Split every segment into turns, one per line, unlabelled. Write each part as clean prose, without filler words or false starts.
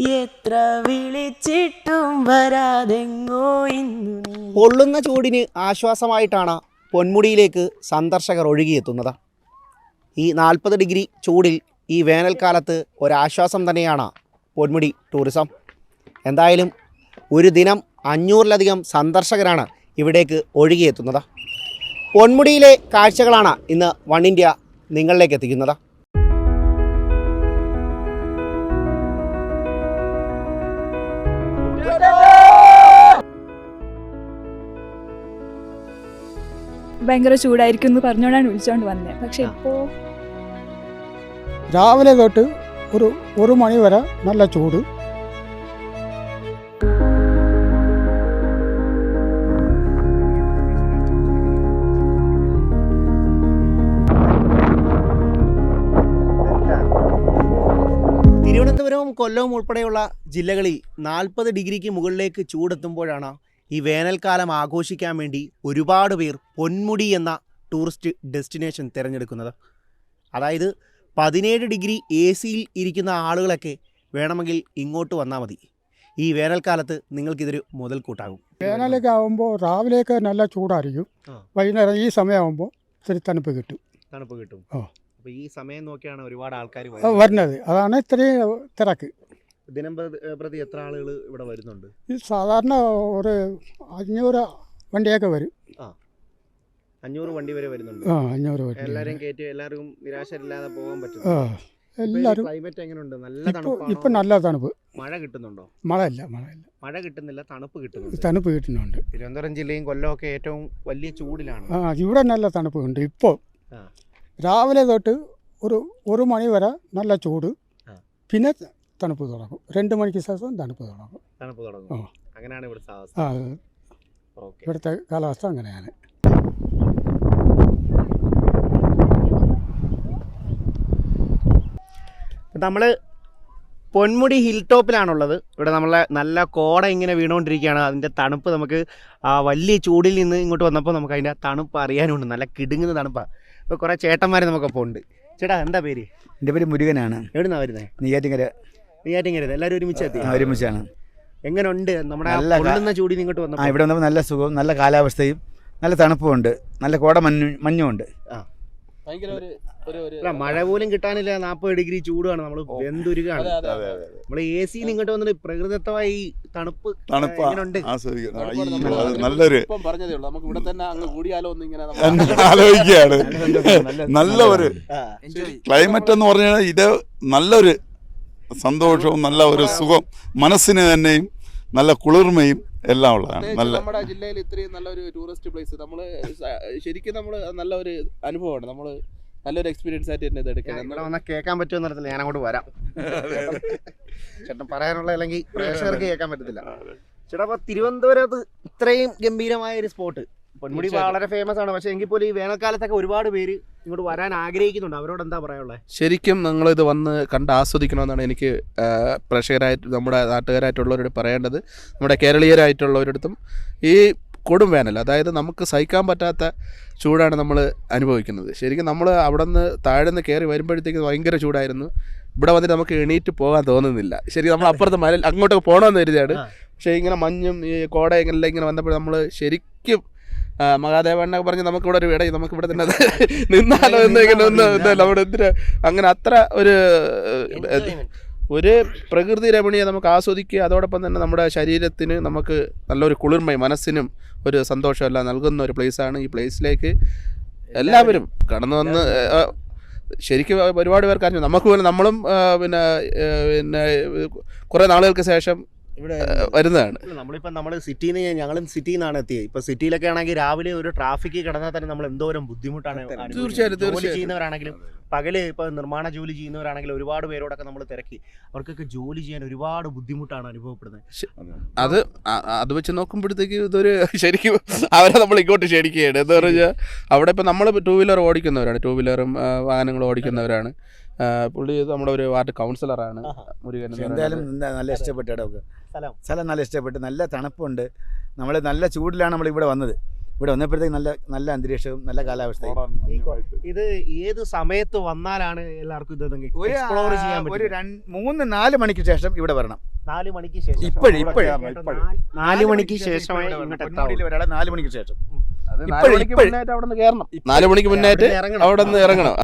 എത്ര വിളിച്ചിട്ടും വരാതെങ്ങോ ഇന്നു നീ.
പൊള്ളുന്ന ചൂടിന് ആശ്വാസമായിട്ടാണ് പൊന്മുടിയിലേക്ക് സന്ദർശകർ ഒഴുകിയെത്തുന്നത്. ഈ 40 ഡിഗ്രി ചൂടിൽ ഈ വേനൽക്കാലത്ത് ഒരാശ്വാസം തന്നെയാണ് പൊന്മുടി ടൂറിസം. എന്തായാലും ഒരു ദിനം 500-ലധികം സന്ദർശകരാണ് ഇവിടേക്ക് ഒഴുകിയെത്തുന്നത്. പൊന്മുടിയിലെ കാഴ്ചകളാണ് ഇന്ന് വൺ ഇന്ത്യ നിങ്ങളിലേക്ക് എത്തിക്കുന്നത്.
ഭയങ്കര ചൂടായിരിക്കും എന്ന് പറഞ്ഞുകൊണ്ടാണ് വിളിച്ചോണ്ട് വന്നത്. പക്ഷെ ഇപ്പോൾ
രാവിലെ തൊട്ട് ഒരു മണി വരെ നല്ല ചൂട്.
തിരുവനന്തപുരവും കൊല്ലവും ഉൾപ്പെടെയുള്ള ജില്ലകളിൽ 40 ഡിഗ്രിക്ക് മുകളിലേക്ക് ചൂടെത്തുമ്പോഴാണ് ഈ വേനൽക്കാലം ആഘോഷിക്കാൻ വേണ്ടി ഒരുപാട് പേർ പൊന്മുടി എന്ന ടൂറിസ്റ്റ് ഡെസ്റ്റിനേഷൻ തിരഞ്ഞെടുക്കുന്നത്. അതായത് 17 ഡിഗ്രി AC ഇരിക്കുന്ന ആളുകളൊക്കെ വേണമെങ്കിൽ ഇങ്ങോട്ട് വന്നാൽ മതി. ഈ വേനൽക്കാലത്ത് നിങ്ങൾക്കിതൊരു മുതൽക്കൂട്ടാകും.
വേനലൊക്കെ ആകുമ്പോൾ രാവിലെയൊക്കെ നല്ല ചൂടായിരിക്കും. വൈകുന്നേരം ഈ സമയമാകുമ്പോൾ ഇത്തിരി തണുപ്പ് കിട്ടും.
അപ്പോൾ ഈ സമയം നോക്കിയാണ് ഒരുപാട് ആൾക്കാർ
വരുന്നത്. അതാണ് ഇത്രയും തിരക്ക്.
ദിനം പ്രതി എത്ര ആളുകൾ ഇവിടെ വരുന്നുണ്ട്?
ഈ സാധാരണ ഒരു 500 വണ്ടിയൊക്കെ വരും.
500 വണ്ടി വരെ വരുന്നുണ്ട്.
500 വണ്ടി.
എല്ലാവരും കയറ്റി എല്ലാവർക്കും നിരാശരില്ലാതെ പോകാൻ പറ്റും.
എല്ലാവരും.
ക്ലൈമറ്റ് എങ്ങനെയുണ്ട്? നല്ല തണുപ്പ്.
ഇപ്പം നല്ല തണുപ്പ്.
മഴ കിട്ടുന്നുണ്ടോ?
മഴ
കിട്ടുന്നില്ല, തണുപ്പ്
കിട്ടുന്നുണ്ട്.
തിരുവനന്തപുരം ജില്ലയും കൊല്ലമൊക്കെ ഏറ്റവും വലിയ ചൂടിലാണ്.
ഇവിടെ നല്ല തണുപ്പുണ്ട്. ഇപ്പോൾ രാവിലെ തൊട്ട് ഒരു മണി വരെ നല്ല ചൂട്. പിന്നെ തണുപ്പ് തുടങ്ങും. 2 മണിക്ക് ശേഷം തണുപ്പ് തുടങ്ങും.
അങ്ങനെയാണ്
ഇവിടുത്തെ കാലാവസ്ഥ അങ്ങനെയാണ്.
നമ്മൾ പൊന്മുടി ഹിൽ ടോപ്പിലാണുള്ളത്. ഇവിടെ നമ്മളെ നല്ല കോട ഇങ്ങനെ വീണുകൊണ്ടിരിക്കുകയാണ്. അതിൻ്റെ തണുപ്പ് നമുക്ക് വലിയ ചൂടിൽ നിന്ന് ഇങ്ങോട്ട് വന്നപ്പോൾ നമുക്ക് അതിൻ്റെ തണുപ്പ് അറിയാനുണ്ട്. നല്ല കിടുങ്ങുന്ന തണുപ്പാണ്. ഇപ്പോൾ കുറേ ചേട്ടന്മാർ നമുക്കൊപ്പം ഉണ്ട്. ചേട്ടാ, എന്താ പേര്?
എൻ്റെ പേര് മുരുകനാണ്.
എവിടുന്നാണ് വരുന്നത്? നെയ്യാറ്റിൻകര. എല്ലാവരും ഒരുമിച്ചാണ്. എങ്ങനെയുണ്ട് നമ്മുടെ പൊള്ളുന്ന ചൂടിൽ ഇങ്ങോട്ട് വന്നപ്പോൾ?
ഇവിടെ വന്നപ്പോൾ നല്ല സുഖവും നല്ല കാലാവസ്ഥയും നല്ല തണുപ്പുമുണ്ട്. നല്ല കോട മഞ്ഞുമുണ്ട്.
മഴ പോലും കിട്ടാനില്ല. 40 ഡിഗ്രി ചൂടാണ്. നമ്മൾ വെന്തുരുകാണ്. നമ്മൾ AC ഇങ്ങോട്ട് വന്നിട്ട് പ്രകൃതിദത്തമായി തണുപ്പ് എങ്ങനെയുണ്ട്?
നല്ലൊരു ആലോചിക്കുകയാണ്. നല്ല ഒരു ക്ലൈമറ്റ് എന്ന് പറഞ്ഞാൽ ഇത് നല്ലൊരു സന്തോഷവും നല്ല ഒരു സുഖം, മനസ്സിന് തന്നെയും നല്ല കുളിർമയും എല്ലാം ഉള്ളതാണ്.
നമ്മുടെ ജില്ലയിൽ ഇത്രയും നല്ലൊരു ടൂറിസ്റ്റ് പ്ലേസ് ശരിക്കും നമ്മൾ നല്ലൊരു അനുഭവമാണ്. നമ്മൾ നല്ലൊരു എക്സ്പീരിയൻസ് ആയിട്ട് തന്നെ ഇത് എടുക്കണം.
കേൾക്കാൻ പറ്റുമെന്ന് അറിയത്തില്ല. ഞാൻ അങ്ങോട്ട് വരാം. ചേട്ടൻ പറയാനുള്ള അല്ലെങ്കിൽ പ്രേക്ഷകർക്ക് കേൾക്കാൻ പറ്റത്തില്ല. ചേട്ടാ, അപ്പോൾ തിരുവനന്തപുരത്ത് ഇത്രയും ഗംഭീരമായ ഒരു സ്പോട്ട്, പൊന്മുടി വളരെ ഫേമസ് ആണ്. പക്ഷേ എങ്കിൽ പോലും ഈ വേനൽക്കാലത്തൊക്കെ ഒരുപാട് പേര് ഇങ്ങോട്ട് വരാൻ ആഗ്രഹിക്കുന്നുണ്ട്. അവരോട് എന്താ പറയാനുള്ളത്?
ശരിക്കും നിങ്ങളിത് വന്ന് കണ്ട് ആസ്വദിക്കണമെന്നാണ് എനിക്ക് പ്രേക്ഷകരായിട്ട് നമ്മുടെ നാട്ടുകാരായിട്ടുള്ളവരോട് പറയേണ്ടത്. നമ്മുടെ കേരളീയരായിട്ടുള്ളവരടുത്തും ഈ കൊടും വേനൽ, അതായത് നമുക്ക് സഹിക്കാൻ പറ്റാത്ത ചൂടാണ് നമ്മൾ അനുഭവിക്കുന്നത്. ശരിക്കും നമ്മൾ അവിടെ നിന്ന് താഴെ നിന്ന് കയറി വരുമ്പോഴത്തേക്ക് ഭയങ്കര ചൂടായിരുന്നു. ഇവിടെ വന്നിട്ട് നമുക്ക് എണീറ്റ് പോകാൻ തോന്നുന്നില്ല. ശരി, നമ്മൾ അപ്പുറത്ത് അങ്ങോട്ടൊക്കെ പോകണമെന്ന് കരുതിയാണ്. പക്ഷേ ഇങ്ങനെ മഞ്ഞും ഈ കോട ഇങ്ങനെ വന്നപ്പോൾ നമ്മൾ ശരിക്കും മഹാദേവണ്ണൊക്കെ പറഞ്ഞ് നമുക്കിവിടെ ഒരു ഇടയിൽ നമുക്കിവിടെ തന്നെ നിന്നാലോ എന്നിങ്ങനെ നമ്മുടെ എന്തിനാ അങ്ങനെ അത്ര ഒരു പ്രകൃതി രമണീയ നമുക്ക് ആസ്വദിക്കുക. അതോടൊപ്പം തന്നെ നമ്മുടെ ശരീരത്തിന് നമുക്ക് നല്ലൊരു കുളിർമയും മനസ്സിനും ഒരു സന്തോഷമെല്ലാം നൽകുന്ന ഒരു പ്ലേസാണ്. ഈ പ്ലേസിലേക്ക് എല്ലാവരും കടന്നു വന്ന് ശരിക്കും ഒരുപാട് പേർക്ക് അറിഞ്ഞു. നമുക്ക് പോലും നമ്മളും പിന്നെ കുറേ നാളുകൾക്ക് ശേഷം
ഇവിടെ വരുന്നതാണ്. നമ്മൾ സിറ്റിയിൽ നിന്ന് ഞങ്ങളും സിറ്റിയിൽ നിന്നാണ് എത്തിയത്. ഇപ്പോൾ സിറ്റിയിലൊക്കെ ആണെങ്കിൽ രാവിലെ ഒരു ട്രാഫിക്ക് കിടന്നാൽ തന്നെ നമ്മൾ എന്തോരം ബുദ്ധിമുട്ടാണ്.
തീർച്ചയായിട്ടും
ചെയ്യുന്നവരാണെങ്കിലും പകല് ഇപ്പോൾ നിർമ്മാണ ജോലി ചെയ്യുന്നവരാണെങ്കിലും ഒരുപാട് പേരോടൊക്കെ നമ്മൾ തിരക്കി. അവർക്കൊക്കെ ജോലി ചെയ്യാൻ ഒരുപാട് ബുദ്ധിമുട്ടാണ് അനുഭവപ്പെടുന്നത്.
അത് വെച്ച് നോക്കുമ്പോഴത്തേക്ക് ഇതൊരു ശരിക്കും അവരെ നമ്മൾ ഇങ്ങോട്ട് ക്ഷണിക്കുകയാണ്. എന്താ പറഞ്ഞാൽ അവിടെ ഇപ്പോൾ നമ്മൾ 2 വീലർ ഓടിക്കുന്നവരാണ്, 2 വീലറും വാഹനങ്ങൾ ഓടിക്കുന്നവരാണ്. പുള്ളി നമ്മുടെ ഒരു വാർഡ് കൗൺസിലറാണ് മുരുകൻ.
എന്തായാലും നല്ല ഇഷ്ടപ്പെട്ടു. സ്ഥലം നല്ല ഇഷ്ടപ്പെട്ടു. നല്ല തണുപ്പുണ്ട്. നമ്മൾ നല്ല ചൂടിലാണ് നമ്മളിവിടെ വന്നത്. ഇവിടെ വന്നപ്പോഴത്തേക്ക് നല്ല നല്ല അന്തരീക്ഷവും നല്ല കാലാവസ്ഥയും.
ഇത് ഏത് സമയത്ത് വന്നാലാണ് എല്ലാവർക്കും ഇത് എക്സ്പ്ലോർ ചെയ്യാൻ
ഒരു
പറ്റും?
3-4 മണിക്ക് ശേഷം ഇവിടെ വരണം.
4 മണിക്ക് ശേഷം
ഇപ്പോഴും
4 മണിക്ക് ശേഷമേ ഇങ്ങോട്ട് എത്താവൂ.
ഒരാളെ 4 മണിക്ക് ശേഷം.
4 മണിക്ക് മുന്നേറ്റ് അവിടെ നിന്ന് കയറണം. 4 മണിക്ക് മുന്നേറ്റ് അവിടെ നിന്ന് ഇറങ്ങണം.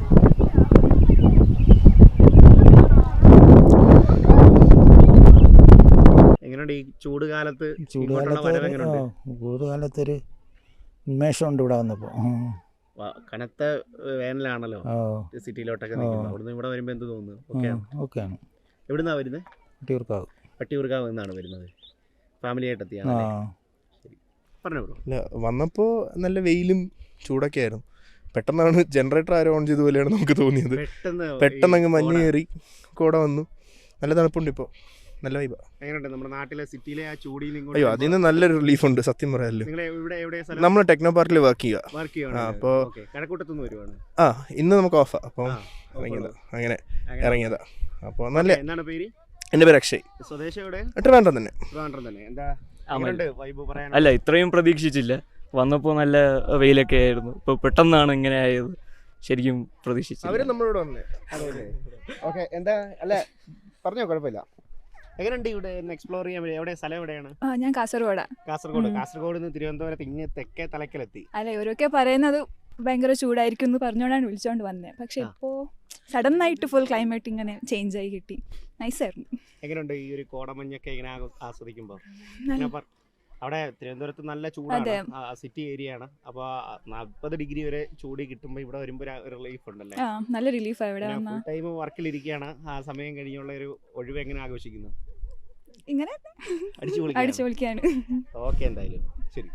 എങ്ങനെയുണ്ട് ഈ ചൂട് കാലത്ത്?
ചൂടുകാലത്തൊരു ഉന്മേഷമുണ്ട് ഇവിടെ വന്നപ്പോൾ.
കനത്ത വേനലാണല്ലോ സിറ്റിയിലോട്ടൊക്കെ നിൽക്കുന്നത്. അവിടുന്ന് ഇവിടെ വരുമ്പോൾ എന്ത് തോന്നുന്നു?
ഓക്കെയാണ്.
എവിടുന്നാ വരുന്നത്?
വട്ടിയൂർക്കാവ്.
വട്ടിയൂർക്കാവ് നിന്നാണ് വരുന്നത്. ഫാമിലി ആയിട്ട് എത്തിയാണ്. പറഞ്ഞോ ബ്രോ.
വന്നപ്പോൾ നല്ല വെയിലും ചൂടൊക്കെ ആയിരുന്നു. പെട്ടെന്നാണ് ജനറേറ്റർ ആരോ ഓൺ ചെയ്ത പോലെയാണ് നമുക്ക് തോന്നിയത്. പെട്ടെന്ന് അങ്ങ് മഞ്ഞ് കയറി കോട വന്നു. നല്ല തണുപ്പുണ്ട് ഇപ്പോൾ. നല്ല വൈബാ.
എങ്ങനെയുണ്ട് നമ്മുടെ നാട്ടിലെ സിറ്റിയിലെ ആ ചൂടിൽ?
അയ്യോ, അതിന് നല്ലൊരു റിലീഫ് ഉണ്ട് സത്യം പറയാമല്ലോ. നമ്മൾ ടെക്നോ പാർക്കിൽ വർക്ക് ചെയ്യുക. അപ്പോൾ
കഴക്കൂട്ടത്തുനിന്ന് വരുവാണ്.
ഇന്ന് നമുക്ക് ഓഫാ. അപ്പം അങ്ങനെ ഇറങ്ങിയതാ. അപ്പോൾ നല്ല.
എന്താണ് പേര്?
എൻ്റെ പേര് അക്ഷയ്.
സ്വദേശം എവിടെ?
ട്രിവാൻഡ്രം തന്നെ.
എന്താ വൈബ് പറയാൻ?
അല്ല, ഇത്രയും പ്രതീക്ഷിച്ചില്ല. വന്നപ്പോൾ നല്ല വെയിലൊക്കെ ആയിരുന്നു. ഇപ്പോൾ പെട്ടെന്നാണ് ഇങ്ങനെ ആയത്. ശരിക്കും പ്രതീക്ഷിച്ചില്ല.
അവര് നമ്മളോട് വന്നേ.
ഓക്കെ, എന്താ അല്ല പറഞ്ഞോ, കുഴപ്പമില്ല. എങ്ങനെയുണ്ട് ഇവിടെ എക്സ്പ്ലോർ ചെയ്യാൻ? എവിടെ സ്ഥലം എവിടെയാണ്?
ഞാൻ കാസർഗോഡാണ്.
കാസർഗോഡ് നിന്ന് തിരുവനന്തപുരത്ത് ഇങ്ങ് തെക്കേ തലക്കലെത്തി.
അല്ല, ഇവരൊക്കെ പറയുന്നത് ഭയങ്കര ചൂടായിരിക്കും എന്ന് പറഞ്ഞുകൊണ്ടാണ് വിളിച്ചോണ്ട് വന്നത്. പക്ഷെ ഇപ്പോൾ സഡൻ ആയിട്ട് ഫുൾ ക്ലൈമറ്റ് ഇങ്ങനെ ചേഞ്ച് ആയി കിട്ടി. നൈസായിരുന്നു.
എങ്ങനെയുണ്ട് ഈ ഒരു കോടമഞ്ഞൊക്കെ ഇങ്ങനെ ആസ്വദിക്കുമ്പോൾ? അവിടെ തിരുവനന്തപുരത്ത് നല്ല ചൂടാണ്, സിറ്റി ഏരിയ ആണ്. അപ്പോൾ 40 ഡിഗ്രി വരെ ചൂട് കിട്ടുമ്പോൾ ഇവിടെ വരുമ്പോൾ റിലീഫ് ഉണ്ടല്ലേ?
നല്ല റിലീഫാണ് ഇവിടെ.
ഫുൾ ടൈം വർക്കിലിരിക്കുകയാണ്. ആ സമയം കഴിഞ്ഞുള്ള ഒരു ഒഴിവ് എങ്ങനെ ആഘോഷിക്കുന്നു?
ഇങ്ങനെ അടിച്ചു പൊളിക്കാണ്.
ഓക്കെ, എന്തായാലും ശരി.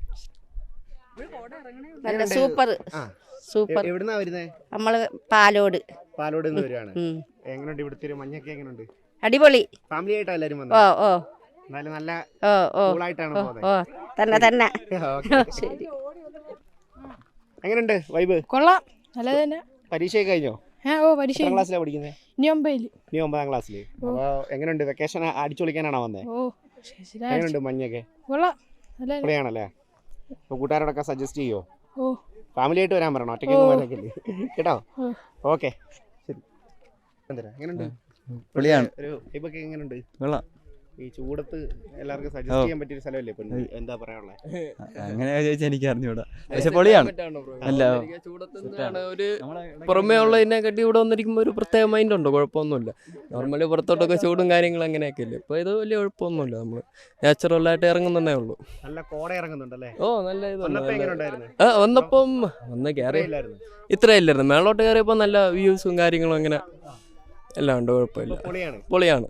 നല്ല സൂപ്പർ.
എവിടുന്നാ വരുന്നേ?
നമ്മള് പാലോട്
നിന്ന് വരുവാണ്. എങ്ങനെയുണ്ട് ഇവിടുത്തെ ഒരു മഞ്ഞൊക്കെ? എങ്ങനെയുണ്ട്?
അടിപൊളി.
ഫാമിലി ആയിട്ടാ എല്ലാരും വന്നത്? എന്നാലും നല്ല കൂളായിട്ടാണ് പോകുന്നത്.
തന്നെ.
ശരി. എങ്ങനെയുണ്ട് വൈബ്?
കൊള്ളാം, നല്ലത് തന്നെ.
പരീക്ഷയൊക്കെ കഴിഞ്ഞോ?
പരീക്ഷ.
എത്രാം ക്ലാസ്സിലാണ് പഠിക്കുന്നത്?
ഇനി
9ാം ക്ലാസ്സിൽ. അപ്പോൾ എങ്ങനെയുണ്ട്? വെക്കേഷൻ അടിച്ചൊളിക്കാനാണോ വന്നേ? എങ്ങനെയുണ്ട് മഞ്ഞൊക്കെ?
കൊള്ളാം,
പൊളിയാണല്ലേ? അപ്പോൾ കൂട്ടുകാരോടൊക്കെ സജസ്റ്റ് ചെയ്യോ? ഫാമിലി ആയിട്ട് വരാൻ പറയണോ? ഒറ്റയ്ക്കൊന്നും വരാനില്ലേ കേട്ടോ? ഓക്കെ, ശരി. എങ്ങനെയുണ്ട്?
പൊളിയാണ്.
ഒരു വൈബൊക്കെ എങ്ങനെയുണ്ട്?
കൊള്ളാം.
ഈ ചൂടത്ത് എല്ലാവർക്കും സജസ്റ്റ് ചെയ്യാൻ പറ്റിയ സ്ഥലമല്ലേ പൊന്മുടി? എന്താ പറയാനുള്ളത്?
അങ്ങനെ ചോദിച്ചാൽ എനിക്ക് അറിഞ്ഞൂടാ. പക്ഷെ പൊളിയാണ്. അല്ല,
ഒരു പുറമേ ഉള്ളതിനെക്കാട്ടി ഇവിടെ വന്നിരിക്കുമ്പോൾ ഒരു പ്രത്യേക മൈൻഡ് ഉണ്ടോ? കുഴപ്പമൊന്നുമില്ല. നോർമലി പുറത്തോട്ടൊക്കെ ചൂടും കാര്യങ്ങളും അങ്ങനെയൊക്കെ ഇല്ലേ. ഇപ്പോൾ ഇത് വലിയ കുഴപ്പമൊന്നുമില്ല. നമ്മൾ നാച്ചുറലായിട്ട് ഇറങ്ങുന്നതേ ഉള്ളൂ.
നല്ല കോട ഇറങ്ങുന്നുണ്ടല്ലേ?
നല്ല
ഇതുണ്ട്.
വന്നപ്പം കയറി ഇത്രയില്ലായിരുന്നു. മേളോട്ട് കയറിയപ്പോൾ നല്ല വ്യൂസും കാര്യങ്ങളും അങ്ങനെ എല്ലാം ഉണ്ട്. കുഴപ്പമില്ല, പൊളിയാണ്.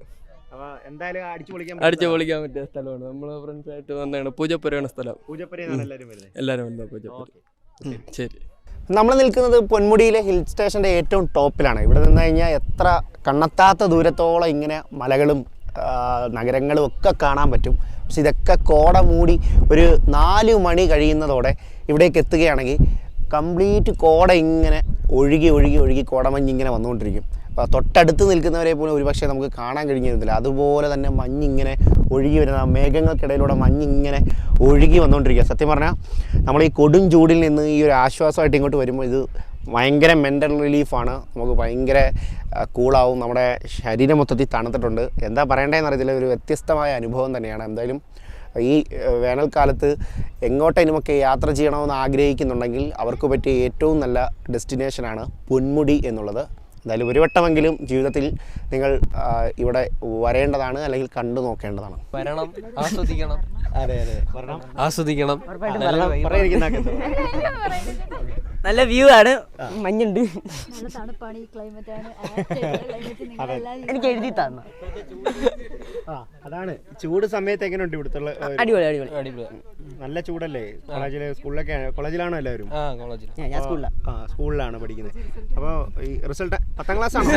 അടിച്ചു പൊളിക്കാൻ പറ്റിയ സ്ഥലമാണ്. നമ്മൾ ഫ്രണ്ട്സ് ആയിട്ട് വന്നതാണ്. പൂജപ്പുരയാണ് സ്ഥലം. എല്ലാവരും വന്നത് പൂജപ്പുര. ശരി.
നമ്മൾ നിൽക്കുന്നത് പൊന്മുടിയിലെ ഹിൽ സ്റ്റേഷൻ്റെ ഏറ്റവും ടോപ്പിലാണ്. ഇവിടെ നിന്ന് കഴിഞ്ഞാൽ എത്ര കണ്ണെത്താത്ത ദൂരത്തോളം ഇങ്ങനെ മലകളും നഗരങ്ങളും ഒക്കെ കാണാൻ പറ്റും. പക്ഷെ ഇതൊക്കെ കോട മൂടി ഒരു 4 മണി കഴിയുന്നതോടെ ഇവിടേക്ക് എത്തുകയാണെങ്കിൽ കംപ്ലീറ്റ് കോട ഇങ്ങനെ ഒഴുകി കോടമഞ്ഞ് ഇങ്ങനെ വന്നുകൊണ്ടിരിക്കും. തൊട്ടടുത്ത് നിൽക്കുന്നവരെ പോലും ഒരുപക്ഷെ നമുക്ക് കാണാൻ കഴിഞ്ഞിരുന്നില്ല. അതുപോലെ തന്നെ മഞ്ഞിങ്ങനെ ഒഴുകി വരുന്ന മേഘങ്ങൾക്കിടയിലൂടെ മഞ്ഞിങ്ങനെ ഒഴുകി വന്നുകൊണ്ടിരിക്കുക. സത്യം പറഞ്ഞാൽ നമ്മൾ ഈ കൊടും ചൂടിൽ നിന്ന് ഈ ഒരു ആശ്വാസമായിട്ട് ഇങ്ങോട്ട് വരുമ്പോൾ ഇത് ഭയങ്കര മെൻ്റൽ റിലീഫാണ്. നമുക്ക് ഭയങ്കര കൂളാവും. നമ്മുടെ ശരീരം മൊത്തത്തിൽ തണുത്തിട്ടുണ്ട്. എന്താ പറയേണ്ടതെന്ന് അറിയത്തില്ല. ഒരു വ്യത്യസ്തമായ അനുഭവം തന്നെയാണ്. എന്തായാലും ഈ വേനൽക്കാലത്ത് എങ്ങോട്ടേനുമൊക്കെ യാത്ര ചെയ്യണമെന്ന് ആഗ്രഹിക്കുന്നുണ്ടെങ്കിൽ അവർക്ക് പറ്റിയ ഏറ്റവും നല്ല ഡെസ്റ്റിനേഷനാണ് പൊന്മുടി എന്നുള്ളത്. എന്തായാലും ഒരു വട്ടമെങ്കിലും ജീവിതത്തിൽ നിങ്ങൾ ഇവിടെ വരേണ്ടതാണ്, അല്ലെങ്കിൽ കണ്ടു നോക്കേണ്ടതാണ്.
വരണം, ആസ്വദിക്കണം.
അതെ,
ആസ്വദിക്കണം.
നല്ല വ്യൂ ആണ്. മഞ്ഞുണ്ട്.
നല്ല തണുപ്പാണ്. ഈ ക്ലൈമറ്റ് ആണ്.
എനിക്ക് എഴുതി തന്നു.
അതാണ് ചൂട് സമയത്ത് എങ്ങനെയുണ്ട് ഇവിടുത്തെ?
അടിപൊളി.
നല്ല ചൂടല്ലേ? കോളേജിലാണോ എല്ലാവരും?
ഞാൻ
സ്കൂളിലാണ് പഠിക്കുന്നത്. അപ്പോൾ ഈ റിസൾട്ട് 10ാം ക്ലാസ് ആണ്.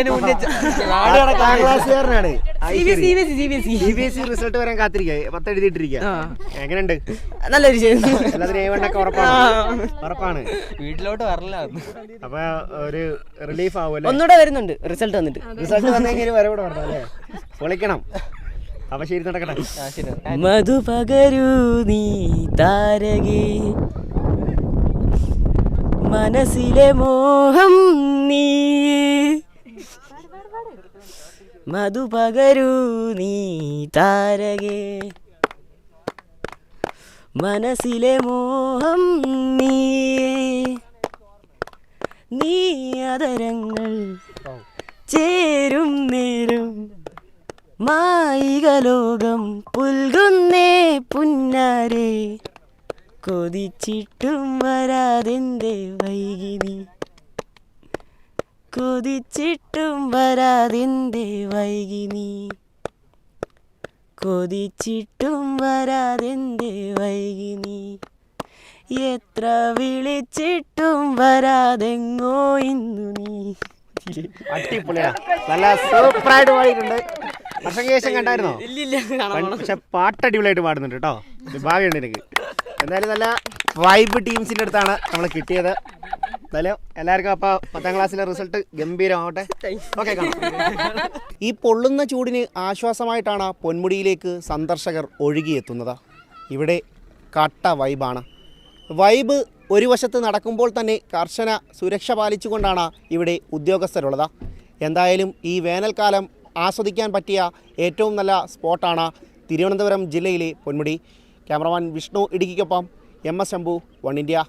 CBSE റിസൾട്ട് വരാൻ കാത്തിരിക്കുക. 10 എഴുതിയിട്ടിരിക്കുക. എങ്ങനെയുണ്ട്?
നല്ലൊരു
എല്ലാത്തിനും A1 ഉറപ്പാണ്.
വീട്ടിലോട്ട് വരില്ല.
അപ്പൊ ഒരു റിലീഫ് ആവുമല്ലേ?
ഒന്നുകൂടെ വരുന്നുണ്ട് റിസൾട്ട് വന്നിട്ട്.
റിസൾട്ട് വന്നെങ്കിൽ വരവിടെ വരണം അല്ലേ? പൊളിക്കണം. അപ്പൊ ശരി, നടക്കട്ടെ.
മധു പകരൂ നീ താരകേ, മനസ്സിലെ മോഹം നീ, മധു പകരൂ നീ താരകേ, മനസ്സിലെ മോഹം നീ, നീ അതരങ്ങൾ ചേരും നേരം മായിക ലോകം പുൽകുന്നേ പുന്നാരെ, കൊതിച്ചിട്ടും വരാതെന്തേ വൈകിനി, കൊതിച്ചിട്ടും വരാതെന്തേ വൈകിനി, കൊതിച്ചിട്ടും വരാതെന്തേ വൈകിനി, എത്ര വിളിച്ചിട്ടും വരാതെങ്ങോ ഇന്നു നീ.
അടിപൊളിയാ, നല്ല സൂപ്പറായിട്ട് പാടിയിട്ടുണ്ട്. വർഷശേഷം കണ്ടായിരുന്നോ? പക്ഷെ പാട്ട് അടിപൊളിയായിട്ട് പാടുന്നുണ്ട് കേട്ടോ. ഭാഗ്യമുണ്ട് എനിക്ക്. എന്തായാലും നല്ല വൈബ് ടീംസിൻ്റെ അടുത്താണ് നമ്മൾ കിട്ടിയത്. എന്തായാലും എല്ലാവർക്കും അപ്പോൾ 10ാം ക്ലാസ്സിലെ റിസൾട്ട് ഗംഭീരമാവട്ടെ. ഓക്കെ, കാണാം. ഈ പൊള്ളുന്ന ചൂടിന് ആശ്വാസമായിട്ടാണ് പൊന്മുടിയിലേക്ക് സന്ദർശകർ ഒഴുകിയെത്തുന്നത്. ഇവിടെ കട്ട വൈബാണ്. വൈബ് ഒരു വശത്ത് നടക്കുമ്പോൾ തന്നെ കർശന സുരക്ഷ പാലിച്ചുകൊണ്ടാണ് ഇവിടെ ഉദ്യോഗസ്ഥരുള്ളത്. എന്തായാലും ഈ വേനൽക്കാലം ആസ്വദിക്കാൻ പറ്റിയ ഏറ്റവും നല്ല സ്പോട്ടാണ് തിരുവനന്തപുരം ജില്ലയിലെ പൊന്മുടി. ക്യാമറമാൻ വിഷ്ണു ഇടുക്കിക്കൊപ്പം MS ശംഭു, 1 ഇന്ത്യ.